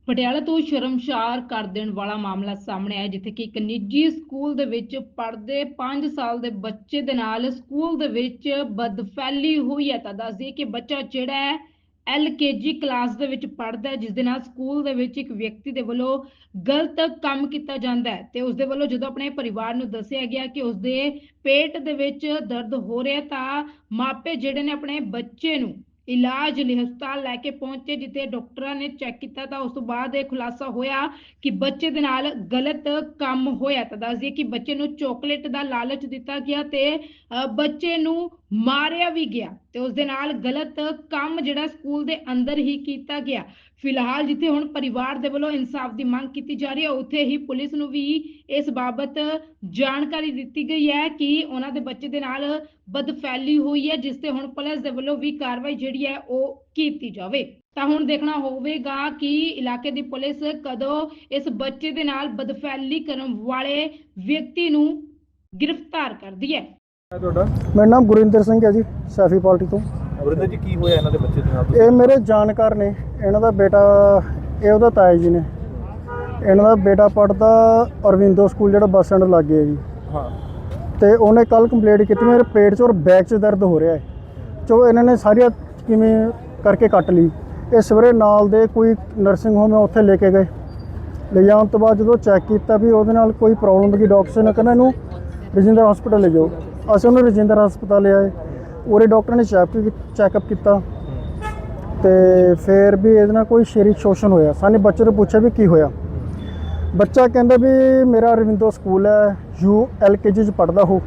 ਪਟਿਆਲਾ ਤੋਂ ਸ਼ਰਮਸ਼ਾਰ ਕਰ ਦੇਣ ਵਾਲਾ ਮਾਮਲਾ ਸਾਹਮਣੇ ਆਇਆ, ਜਿੱਥੇ ਕਿ ਇੱਕ ਨਿੱਜੀ ਸਕੂਲ ਦੇ ਵਿੱਚ ਪੜ੍ਹਦੇ 5 ਸਾਲ ਦੇ ਬੱਚੇ ਦੇ ਨਾਲ ਸਕੂਲ ਦੇ ਵਿੱਚ ਬਦਫੈਲੀ ਹੋਈ ਹੈ। ਤਾਂ ਦੱਸਦੀ ਕਿ ਬੱਚਾ ਜਿਹੜਾ ਹੈ LKG ਕਲਾਸ ਦੇ ਵਿੱਚ ਪੜ੍ਹਦਾ ਹੈ, ਜਿਸ ਦੇ ਨਾਲ ਸਕੂਲ ਦੇ ਵਿੱਚ ਇੱਕ ਵਿਅਕਤੀ ਦੇ ਵੱਲੋਂ ਗਲਤ ਕੰਮ ਕੀਤਾ ਜਾਂਦਾ ਹੈ ਤੇ ਉਸ ਦੇ ਵੱਲੋਂ ਜਦੋਂ ਆਪਣੇ ਪਰਿਵਾਰ ਨੂੰ ਦੱਸਿਆ ਗਿਆ ਕਿ ਉਸ ਦੇ ਪੇਟ ਦੇ ਵਿੱਚ ਦਰਦ ਹੋ ਰਿਹਾ, ਤਾਂ ਮਾਪੇ ਜਿਹੜੇ ਨੇ ਆਪਣੇ ਬੱਚੇ ਨੂੰ ਇਲਾਜ ਲਈ ਹਸਪਤਾਲ ਲੈ ਕੇ ਪਹੁੰਚੇ, ਜਿੱਥੇ ਡਾਕਟਰਾਂ ਨੇ ਚੈੱਕ ਕੀਤਾ ਤਾਂ ਉਸ ਤੋਂ ਬਾਅਦ ਇਹ ਖੁਲਾਸਾ ਹੋਇਆ ਕਿ ਬੱਚੇ ਦੇ ਨਾਲ ਗਲਤ ਕੰਮ ਹੋਇਆ। ਤਾਂ ਦੱਸਦੀ ਕਿ ਬੱਚੇ ਨੂੰ ਚਾਕਲੇਟ ਦਾ ਲਾਲਚ ਦਿੱਤਾ ਗਿਆ ਤੇ ਬੱਚੇ ਨੂੰ ਮਾਰਿਆ ਵੀ ਗਿਆ ਤੇ ਉਸ ਦੇ ਨਾਲ ਗਲਤ ਕੰਮ ਜਿਹੜਾ ਸਕੂਲ ਦੇ ਅੰਦਰ ਹੀ ਕੀਤਾ ਗਿਆ। ਫਿਲਹਾਲ ਜਿੱਥੇ ਹੁਣ ਪਰਿਵਾਰ ਦੇ ਵੱਲੋਂ ਇਨਸਾਫ ਦੀ ਮੰਗ ਕੀਤੀ ਜਾ ਰਹੀ ਹੈ, ਉੱਥੇ ਹੀ ਪੁਲਿਸ ਨੂੰ ਵੀ ਇਸ ਬਾਬਤ ਜਾਣਕਾਰੀ ਦਿੱਤੀ ਗਈ ਹੈ ਕਿ ਉਹਨਾਂ ਦੇ ਬੱਚੇ ਦੇ ਨਾਲ ਬਦਫੈਲੀ ਹੋਈ ਹੈ, ਜਿਸ ਤੇ ਹੁਣ ਪੁਲਿਸ ਦੇ ਵੱਲੋਂ ਵੀ ਕਾਰਵਾਈ ਜਿਹੜੀ ਹੈ ਉਹ ਕੀਤੀ ਜਾਵੇ। ਤਾਂ ਹੁਣ ਦੇਖਣਾ ਹੋਵੇਗਾ ਕਿ ਇਲਾਕੇ ਦੀ ਪੁਲਿਸ ਕਦੋਂ ਇਸ ਬੱਚੇ ਦੇ ਨਾਲ ਬਦਫੈਲੀ ਕਰਨ ਵਾਲੇ ਵਿਅਕਤੀ ਨੂੰ ਗ੍ਰਿਫਤਾਰ ਕਰਦੀ ਹੈ। मेरा नाम गुरिंदर सिंह है जी, सैफी पार्टी तो। ਗੁਰਿੰਦਰ ਜੀ, ਕੀ ਹੋਇਆ ਇਹਨਾਂ ਦੇ ਬੱਚੇ ਦੇ ਨਾਲ? ये मेरे जानकार ने, इन्हों का बेटा ये ਉਹਦਾ ਤਾਇਆ ਜੀ ਨੇ। ਇਹਨਾਂ ਦਾ ਬੇਟਾ ਪੜ੍ਹਦਾ ਅਰਵਿੰਦੋ ਸਕੂਲ ਜਿਹੜਾ ਬੱਸ ਸਟੈਂਡ ਲਾਗੇ ਹੈ ਜੀ। ਹਾਂ। ਤੇ ਉਹਨੇ ਕੱਲ ਕੰਪਲੇਂਟ ਕੀਤੀ ਮੇਰੇ ਪੇਟ 'ਚ ਔਰ ਬੈਕ 'ਚ ਦਰਦ ਹੋ ਰਿਹਾ ਹੈ। ਚੋ ਇਹਨਾਂ ਨੇ ਸਾਰੀਆਂ ਕਿਵੇਂ ਕਰਕੇ ਕੱਟ ਲਈ। ਇਹ ਸਵੇਰੇ ਨਾਲ ਦੇ ਕੋਈ ਨਰਸਿੰਗ ਹੋਮ ਹੈ, ਉੱਥੇ ਲੈ ਕੇ ਗਏ। ਲੈ ਜਾਣ ਤੋਂ ਬਾਅਦ ਜਦੋਂ ਚੈੱਕ ਕੀਤਾ ਵੀ ਉਹਦੇ ਨਾਲ ਕੋਈ ਪ੍ਰੋਬਲਮ ਦੀ, ਡਾਕਟਰ ਨੇ ਕਹਿੰਦਾ ਇਹਨੂੰ ਰਜਿੰਦਰ ਹਸਪਤਾਲ ਲੈ ਜਾਓ। ਅਸੀਂ ਉਹਨੂੰ ਰਜਿੰਦਰ ਹਸਪਤਾਲ ਲਿਆਏ। ਉਰੇ ਡਾਕਟਰ ਨੇ ਚੈੱਕਅਪ ਕੀਤਾ ਤੇ ਫਿਰ ਵੀ ਇਹਦੇ ਨਾਲ ਕੋਈ ਸਰੀਰਕ ਸ਼ੋਸ਼ਣ ਹੋਇਆ। ਸਾਨੂੰ ਬੱਚੇ ਨੂੰ ਪੁੱਛਿਆ ਵੀ ਕੀ ਹੋਇਆ। ਬੱਚਾ ਕਹਿੰਦਾ ਵੀ ਮੇਰਾ ਅਰਵਿੰਦੋ ਸਕੂਲ ਹੈ, LKG 'ਚ ਪੜ੍ਹਦਾ ਹੋ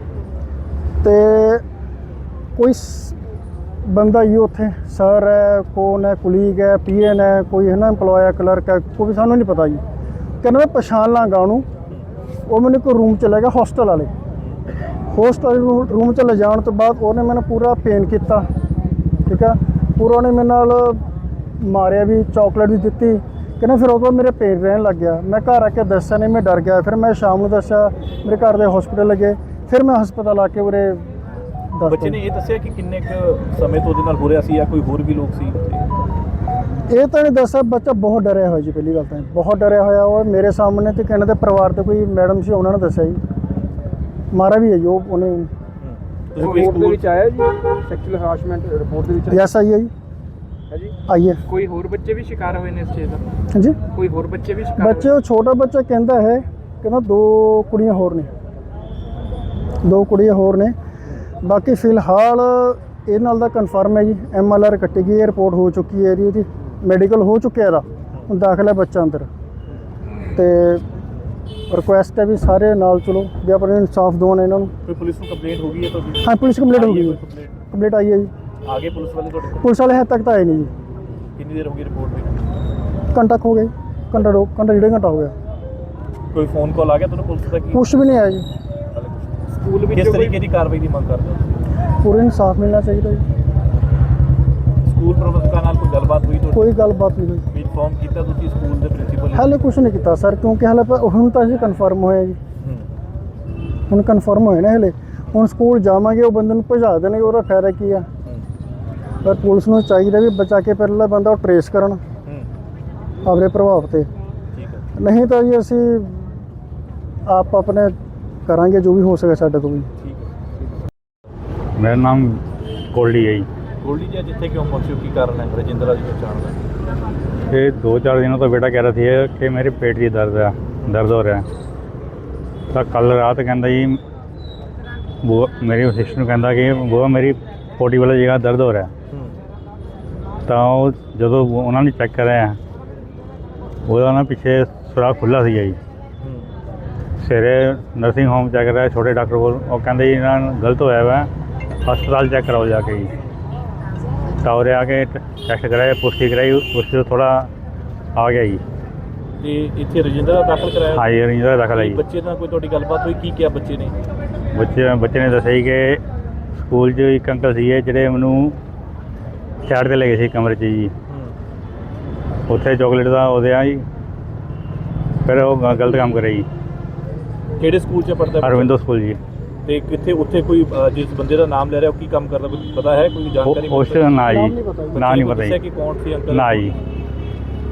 ਤੇ ਕੋਈ ਬੰਦਾ ਹੀ ਉੱਥੇ ਸਰ ਹੈ, ਕੌਣ ਹੈ, ਕੁਲੀਗ ਹੈ, PN ਹੈ, ਕੋਈ ਹੈ ਨਾ ਇੰਪਲੋਏ ਹੈ, ਕਲਰਕ ਹੈ, ਕੋਈ ਸਾਨੂੰ ਨਹੀਂ ਪਤਾ ਜੀ। ਕਹਿੰਦਾ ਮੈਂ ਪਛਾਣ ਲਾਂਗਾ ਉਹਨੂੰ। ਉਹ ਮੈਨੂੰ ਕੋਈ ਰੂਮ 'ਚ ਲੈ ਗਿਆ, ਹੋਸਟਲ ਵਾਲੇ ਰੂਮ 'ਚ ਲੈ ਜਾਣ ਤੋਂ ਬਾਅਦ ਉਹਨੇ ਮੈਨੂੰ ਪੂਰਾ ਪੇਨ ਕੀਤਾ, ਠੀਕ ਹੈ। ਪੂਰਾ ਉਹਨੇ ਮੇਰੇ ਨਾਲ ਮਾਰਿਆ ਵੀ, ਚਾਕਲੇਟ ਵੀ ਦਿੱਤੀ। ਕਹਿੰਦਾ ਫਿਰ ਉਹ ਤੋਂ ਮੇਰੇ ਪੇਨ ਰਹਿਣ ਲੱਗ ਗਿਆ। ਮੈਂ ਘਰ ਆ ਕੇ ਦੱਸਿਆ ਨਹੀਂ, ਮੈਂ ਡਰ ਗਿਆ। ਫਿਰ ਮੈਂ ਸ਼ਾਮ ਨੂੰ ਦੱਸਿਆ, ਮੇਰੇ ਘਰ ਦੇ ਹਸਪੀਟਲ ਲੱਗੇ। ਫਿਰ ਮੈਂ ਹਸਪਤਾਲ ਆ ਕੇ ਉਰੇ ਦੱਸ। ਬੱਚੇ ਨੇ ਇਹ ਦੱਸਿਆ ਕਿ ਕਿੰਨੇ ਕੁ ਸਮੇਂ ਤੋਂ ਉਹਦੇ ਨਾਲ ਹੋ ਰਿਹਾ ਸੀ ਜਾਂ ਕੋਈ ਹੋਰ ਵੀ ਲੋਕ ਸੀ ਉੱਥੇ? ਇਹ ਤਾਂ ਨਹੀਂ ਦੱਸਿਆ। ਬੱਚਾ ਬਹੁਤ ਡਰਿਆ ਹੋਇਆ ਜੀ। ਪਹਿਲੀ ਗੱਲ ਤਾਂ ਬਹੁਤ ਡਰਿਆ ਹੋਇਆ। ਉਹ ਮੇਰੇ ਸਾਹਮਣੇ ਤੇ ਕਹਿੰਦੇ ਪਰਿਵਾਰ ਦੇ ਕੋਈ ਮੈਡਮ ਸੀ, ਉਹਨਾਂ ਨੇ ਦੱਸਿਆ ਜੀ ਮਾਰਾ ਵੀ ਹੈ ਜੀ ਉਹਨੇ। ਰਿਪੋਰਟ ਦੇ ਵਿੱਚ ਆਇਆ ਜੀ ਸੈਕਸ਼ੂਅਲ ਹਰਾਸਮੈਂਟ ਰਿਪੋਰਟ ਦੇ ਵਿੱਚ? ਯੈਸ ਆਈ ਹੈ ਜੀ। ਹੈ ਜੀ, ਆਈ ਹੈ। ਕੋਈ ਹੋਰ ਬੱਚੇ ਵੀ ਸ਼ਿਕਾਰ ਹੋਏ ਨੇ ਇਸ ਚੀਜ਼ ਦਾ? ਹਾਂਜੀ, ਕੋਈ ਹੋਰ ਬੱਚੇ ਵੀ ਸ਼ਿਕਾਰ? ਬੱਚੇ ਉਹ ਛੋਟਾ ਬੱਚਾ ਕਹਿੰਦਾ ਹੈ, ਕਹਿੰਦਾ 2 ਕੁੜੀਆਂ ਹੋਰ ਨੇ, 2 ਕੁੜੀਆਂ ਹੋਰ ਨੇ। ਬਾਕੀ ਫਿਲਹਾਲ ਇਹ ਨਾਲ ਦਾ ਕਨਫਰਮ ਹੈ ਜੀ। MLR ਕੱਟੀ ਗਈ ਹੈ, ਰਿਪੋਰਟ ਹੋ ਚੁੱਕੀ ਹੈ ਇਹਦੀ ਮੈਡੀਕਲ ਹੋ ਚੁੱਕਿਆ ਇਹਦਾ। ਹੁਣ ਦਾਖਲ ਹੈ ਬੱਚਾ ਅੰਦਰ। ਤੇ ਰਿਕੁਐਸਟ ਹੈ ਵੀ ਸਾਰੇ ਨਾਲ ਚਲੋ ਵੀ ਆਪਣੇ ਇਨਸਾਫ ਦਿਵਾਉਣ ਇਹਨਾਂ ਨੂੰ। ਕੋਈ ਪੁਲਿਸ ਨੂੰ ਕੰਪਲੇਂਟ ਹੋ ਗਈ ਹੈ ਤੁਹਾਡੀ? ਹਾਂ, ਪੁਲਿਸ ਕੰਪਲੇਂਟ ਹੋ ਗਈ ਹੈ। ਕੰਪਲੇਂਟ ਆਈ ਹੈ ਜੀ। ਆ ਗਏ ਪੁਲਿਸ ਵਾਲੇ ਤੁਹਾਡੇ ਕੋਲ? ਪੁਲਿਸ ਵਾਲੇ ਹਜੇ ਤੱਕ ਤਾਂ ਆਏ ਨਹੀਂ ਜੀ। ਕਿੰਨੀ ਦੇਰ ਹੋ ਗਈ ਰਿਪੋਰਟ ਦੀ? ਘੰਟਾ ਕੁ ਹੋ ਗਿਆ ਜੀ। ਘੰਟਾ 1.5 ਘੰਟਾ ਹੋ ਗਿਆ। ਕੋਈ ਫੋਨ ਕਾਲ ਆ ਗਿਆ ਤੁਹਾਨੂੰ ਪੁਲਿਸ ਦਾ? ਕੁਛ ਵੀ ਨਹੀਂ ਆਇਆ ਜੀ। ਸਕੂਲ ਵਿੱਚ ਕਿਸ ਤਰੀਕੇ ਦੀ ਕਾਰਵਾਈ ਦੀ ਮੰਗ ਕਰਦੇ ਹੋ? ਪੂਰਾ ਇਨਸਾਫ ਮਿਲਣਾ ਚਾਹੀਦਾ ਜੀ। ਸਕੂਲ ਪ੍ਰਬੰਧਕਾਂ ਨਾਲ ਕੋਈ ਗੱਲਬਾਤ ਹੋਈ ਤੁਹਾਡੀ? ਕੋਈ ਗੱਲਬਾਤ ਨਹੀਂ ਹੋਈ। ਵੀ ਇਨਫੋਰਮ ਕੀਤਾ ਤੁਸੀਂ ਸਕੂਲ ਦੇ ਪ੍ਰਿੰਸੀਪਲ? ਹਾਲੇ ਕੁਛ ਨਹੀਂ ਕੀਤਾ ਸਰ, ਕਿਉਂਕਿ ਹਾਲੇ ਹੁਣ ਤਾਂ ਅਸੀਂ ਕਨਫਰਮ ਹੋਇਆ ਜੀ। ਹੁਣ ਕਨਫਰਮ ਹੋਇਆ ਨਾ ਹਲੇ। ਹੁਣ ਸਕੂਲ ਜਾਵਾਂਗੇ, ਉਹ ਬੰਦੇ ਨੂੰ ਭਜਾ ਦੇਣਗੇ, ਉਹਦਾ ਫਾਇਦਾ ਕੀ ਆ। ਪਰ ਪੁਲਿਸ ਨੂੰ ਚਾਹੀਦਾ ਵੀ ਬਚਾ ਕੇ ਪਹਿਲਾਂ ਬੰਦਾ ਉਹ ਟਰੇਸ ਕਰਨ ਆਪਣੇ ਪ੍ਰਭਾਵ 'ਤੇ। ਨਹੀਂ ਤਾਂ ਜੀ ਅਸੀਂ ਆਪ ਆਪਣੇ ਕਰਾਂਗੇ ਜੋ ਵੀ ਹੋ ਸਕੇ ਸਾਡੇ ਤੋਂ ਵੀ। ਮੇਰਾ ਨਾਮ ਕੋਲਡੀ ਹੈ ਜੀ। ਗੋਲਡੀ ਜੀ, ਜਿੱਥੇ ਕਿਉਂ ਪਹੁੰਚੇ ਹੋ, ਕੀ ਕਾਰਨ ਹੈ ਰਜਿੰਦਰਾ ਦੀ ਪਛਾਣ ਦਾ? ये 2-4 दिनों तो बेटा कह रहा थी कि मेरे पेट की दर्द हो रहा है। तो कल रात कहता जी वो मेरी सिस्टर कहता कि वो मेरी पोटी वाली जगह दर्द हो रहा है। तो जो उन्होंने चेक कराया वो ना पीछे सुराख खुला सी जी। सवेरे नर्सिंग होम चेक कराया छोटे डॉक्टर को, कहते जी इन्होंने गलत होया हुआ हस्पताल चेक कराओ जाके जी। तो उरे आके टेस्ट कराया, पुष्टि कराई, पुष्टि थोड़ा आ गया जी। ਤੇ ਇੱਥੇ ਰਜਿੰਦਰਾ ਦਾਖਲ ਕਰਾਇਆ? हाँ जी, रंजिंदा दाखिल है जी। ਬੱਚੇ ਨਾਲ ਕੋਈ ਤੁਹਾਡੀ ਗੱਲਬਾਤ ਹੋਈ? ਕੀ ਕਿਹਾ ਬੱਚੇ ਨੇ? ਬੱਚੇ ਨੇ ਦੱਸਿਆ ਜੀ ਕਿ ਸਕੂਲ 'ਚ ਇੱਕ ਅੰਕਲ ਸੀਗੇ ਜਿਹੜੇ ਮੈਨੂੰ ਸਾਈਡ 'ਤੇ ਲੈ ਗਏ ਸੀ ਕਮਰੇ 'ਚ ਜੀ। ਉੱਥੇ ਚਾਕਲੇਟ ਦਾ ਉਹਦੇ ਆ ਜੀ, ਫਿਰ ਉਹ ਗਲਤ ਕੰਮ ਕਰਿਆ ਜੀ। ਕਿਹੜੇ ਸਕੂਲ 'ਚ ਪੜ੍ਹਦਾ? ਅਰਵਿੰਦੋ ਸਕੂਲ ਜੀ। ਤੇ ਕਿੱਥੇ ਉੱਥੇ ਕੋਈ ਜਿਸ ਬੰਦੇ ਦਾ ਨਾਮ ਲੈ ਰਿਹਾ ਉਹ ਕੀ ਕੰਮ ਕਰਦਾ, ਕੁਝ ਪਤਾ ਹੈ? ਕੋਈ ਜਾਣਕਾਰੀ? ਉਸ ਨਾ ਜੀ, ਨਾ ਨਹੀਂ ਪਤਾ ਦੱਸਿਆ ਜੀ। ਕਿ ਕੌਣ ਸੀ ਅੰਕਲ? ਨਾ ਜੀ।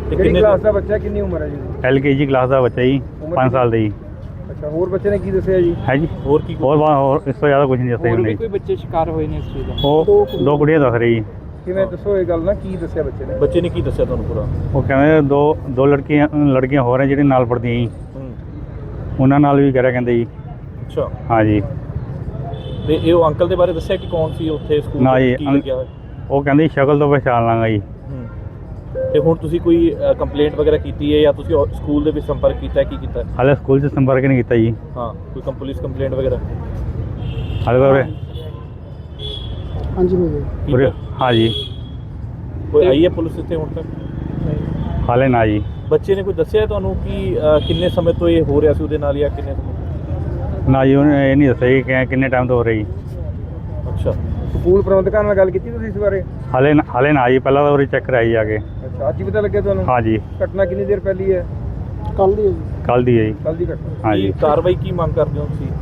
ਤੇ ਕਿਹੜੀ ਕਿੰਨੇ ਕਲਾਸ ਦਾ ਬੱਚਾ, ਕਿੰਨੀ ਉਮਰ ਹੈ ਜੀ? LKG ਕਲਾਸ ਦਾ ਬੱਚਾ ਜੀ, ਉਮਰ 5 ਸਾਲ ਦਾ ਜੀ। ਅੱਛਾ, ਹੋਰ ਬੱਚੇ ਨੇ ਕੀ ਦੱਸਿਆ ਜੀ? ਹੈ ਜੀ। ਹੋਰ ਕੀ ਹੋਰ ਇਸ ਤੋਂ ਜ਼ਿਆਦਾ ਕੁਝ ਨਹੀਂ ਦੱਸਿਆ ਉਹਨੇ ਜੀ। ਬੱਚੇ ਸ਼ਿਕਾਰ ਹੋਏ ਨੇ ਇਸ ਚੀਜ਼ ਦਾ? ਉਹ 2 ਕੁੜੀਆਂ ਦੱਸ ਰਹੀ ਜੀ। ਕਿਵੇਂ ਦੱਸੋ ਇਹ ਗੱਲ ਨਾ, ਕੀ ਦੱਸਿਆ ਬੱਚੇ ਨੇ? ਬੱਚੇ ਨੇ ਕੀ ਦੱਸਿਆ ਤੁਹਾਨੂੰ ਪੂਰਾ? ਉਹ ਕਹਿੰਦੇ ਦੋ ਲੜਕੀਆਂ ਹੋਰ ਹੈ ਜਿਹੜੀਆਂ ਨਾਲ ਪੜ੍ਹਦੀਆਂ ਜੀ, ਉਹਨਾਂ ਨਾਲ ਵੀ ਕਰਿਆ ਕਹਿੰਦੇ ਜੀ। ਅੱਛਾ। ਹਾਂ ਜੀ। ਤੇ ਇਹ ਉਹ ਅੰਕਲ ਦੇ ਬਾਰੇ ਦੱਸਿਆ ਕਿ ਕੌਣ ਸੀ ਉੱਥੇ ਸਕੂਲ ਨਾ ਜੀ, ਕੀ ਲੱਗਿਆ ਹੋਇਆ? ਉਹ ਕਹਿੰਦੇ ਸ਼ਕਲ ਤੋਂ ਪਛਾਣ ਲਾਂਗਾ ਜੀ। ਤੇ ਹੁਣ ਤੁਸੀਂ ਕੋਈ ਕੰਪਲੇਂਟ ਵਗੈਰਾ ਕੀਤੀ ਹੈ ਜਾਂ ਤੁਸੀਂ ਸਕੂਲ ਦੇ ਵਿੱਚ ਸੰਪਰਕ ਕੀਤਾ ਹੈ, ਕੀ ਕੀਤਾ ਹੈ? ਹਾਲੇ ਸਕੂਲ 'ਚ ਸੰਪਰਕ ਨਹੀਂ ਕੀਤਾ ਜੀ। ਹਾਂ, ਕੋਈ ਪੁਲਿਸ ਕੰਪਲੇਂਟ ਵਗੈਰਾ ਹਾਲੇ ਤਾਂ ਹਾਂਜੀ ਹੋ ਗਏ। ਉਰੇ ਹਾਂ ਜੀ, ਕੋਈ ਆਈ ਹੈ ਪੁਲਿਸ ਇੱਥੇ ਹੁਣ ਤੱਕ? ਹਾਲੇ ਨਾ ਜੀ। ਬੱਚੇ ਨੇ ਕੋਈ ਦੱਸਿਆ ਤੁਹਾਨੂੰ ਕਿ ਕਿੰਨੇ ਸਮੇਂ ਤੋਂ ਇਹ ਹੋ ਰਿਹਾ ਸੀ ਉਹਦੇ ਨਾਲ ਜਾਂ ਕਿੰਨੇ ਸਮੇਂ? ਨਾ ਜੀ, ਉਹਨੇ ਇਹ ਨਹੀਂ ਦੱਸਿਆ ਜੀ ਕਿ ਕਿੰਨੇ ਟਾਈਮ ਤੋਂ ਹੋ ਰਹੀ। ਅੱਛਾ। ਸਕੂਲ ਪ੍ਰਬੰਧਕਾਂ ਨਾਲ ਗੱਲ ਕੀਤੀ ਤੁਸੀਂ ਇਸ ਬਾਰੇ? ਹਾਲੇ ਨਾ ਜੀ, ਪਹਿਲਾਂ ਤਾਂ ਉਰੇ ਚੈੱਕ ਕਰਾਈ ਜਾ ਕੇ। ਅੱਛਾ, ਅੱਜ ਹੀ ਪਤਾ ਲੱਗਿਆ ਤੁਹਾਨੂੰ? ਹਾਂ ਜੀ, ਘਟਨਾ ਕਿੰਨੀ ਦੇਰ ਪਹਿਲੀ ਹੈ? ਕੱਲ ਦੀ ਹੈ ਜੀ। ਕੱਲ੍ਹ ਦੀ ਹੈ ਜੀ। ਕੱਲ ਦੀ ਘਟਨਾ। ਹਾਂ ਜੀ। ਕੀ ਕਾਰਵਾਈ ਕੀ ਮੰਗ ਕਰਦੇ ਹੋ ਤੁਸੀਂ?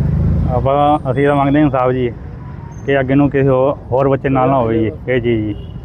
ਅਸੀਂ ਤਾਂ ਮੰਗਦੇ ਹਾਂ ਇਨਸਾਫ ਜੀ, ਕਿ ਅੱਗੇ ਨੂੰ ਕਿਸੇ ਹੋਰ ਬੱਚੇ ਨਾਲ ਨਾ ਹੋਵੇ ਜੀ ਇਹ ਚੀਜ਼ ਜੀ।